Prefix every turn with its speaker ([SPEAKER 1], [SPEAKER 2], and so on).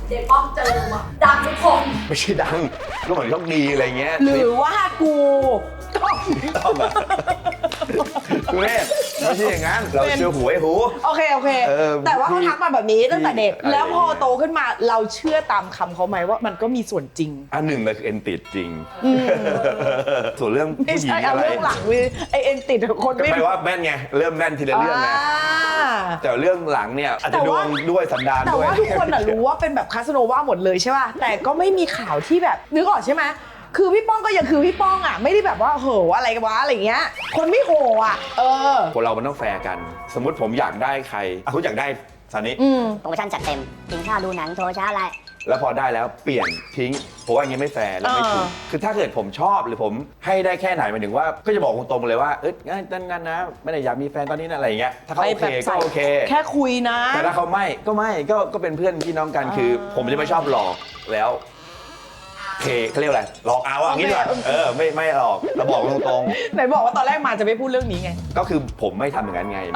[SPEAKER 1] เจ๊ป้อมเจอมาดังทุกคน
[SPEAKER 2] ไม่ใช่ดังก็เหมือนโชคดีอะไรเงี้ย
[SPEAKER 3] หรือว่ากูต้อง
[SPEAKER 2] ต้องแบบคุณแม่ไม่ใช่อย่างนั้นเราเชื่อหูไอ้หู
[SPEAKER 3] โอเคแต่ว่าเขาทักมาแบบนี้ตั้งแต่เด็กแล้วพอโตขึ้นมาเราเชื่อตามคำเขาไหมว่ามันก็มีส่วนจริง
[SPEAKER 2] อันหนึ่งเลยคือเอ็นติดจริงส่วนเรื่อง
[SPEAKER 3] ไม่
[SPEAKER 2] ผู้หญิง
[SPEAKER 3] ใช่เอา
[SPEAKER 2] อะไร
[SPEAKER 3] เรื่องหลังวิไอเอ็นติดคน
[SPEAKER 2] ก็
[SPEAKER 3] ไม่
[SPEAKER 2] แปลว่าแม่นไงเริ่มแม่นทีละเรื่องไงแต่เรื่องหลังเนี่ยอาจจะดวงด้วยสันดาน
[SPEAKER 3] แต่
[SPEAKER 2] ด้วย
[SPEAKER 3] ว่าทุกคนรู้ว่าเป็นแบบคาสโนวาหมดเลยใช่ป่ะแต่ก็ไม่มีข่าวที่แบบนึกออกใช่ไหมคือพี่ป้องก็ยังคือพี่ป้องอ่ะไม่ได้แบบว่าโหอะไรกันวะอะไรเงี้ยคนไม่โหอ่ะ
[SPEAKER 2] คนเรามันต้องแฟร์กัน สมมติผมอยากได้ใครคุณอยากได้ซานิ
[SPEAKER 4] โปรโมชั่นจัดเต็มกินข้าวดูหนังโทรช้าอะไร
[SPEAKER 2] แล้วพอได้แล้วเปลี่ยนทิ้งผมว่าอย่างนี้ไม่แฟร์และไม่ถูกคือถ้าเกิดผมชอบหรือผมให้ได้แค่ไหนหมายถึงว่าก็จะบอกตรงๆเลยว่างั้นนะไม่ได้อยากมีแฟนตอนนี้นะอะไรอย่างเงี้ยถ้าเขาโอเคก็โอเค
[SPEAKER 3] แค่คุยนะ
[SPEAKER 2] แต่ถ้าเขาไม่ก็เป็นเพื่อนพี่น้องกันคือผมจะไม่ชอบหลอกแล้วเขาเรียกอะไรหลอกเอาอย่างนี้ดีกว่าไม่หลอกเราบอกตรง
[SPEAKER 3] ไหนบอกว่าตอนแรกมาจะไม่พูดเรื่องนี้ไง
[SPEAKER 2] ๆก็คือผมไม่ทำอย่างนั้นไง